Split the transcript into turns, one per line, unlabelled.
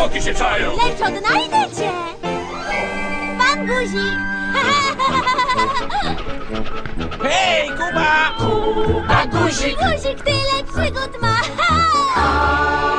zwłoki się czają.
Lecz odnajdę cię! Pan Guzik!
Hej, Kuba! Kuba Guzik!
Guzik tyle przygód ma!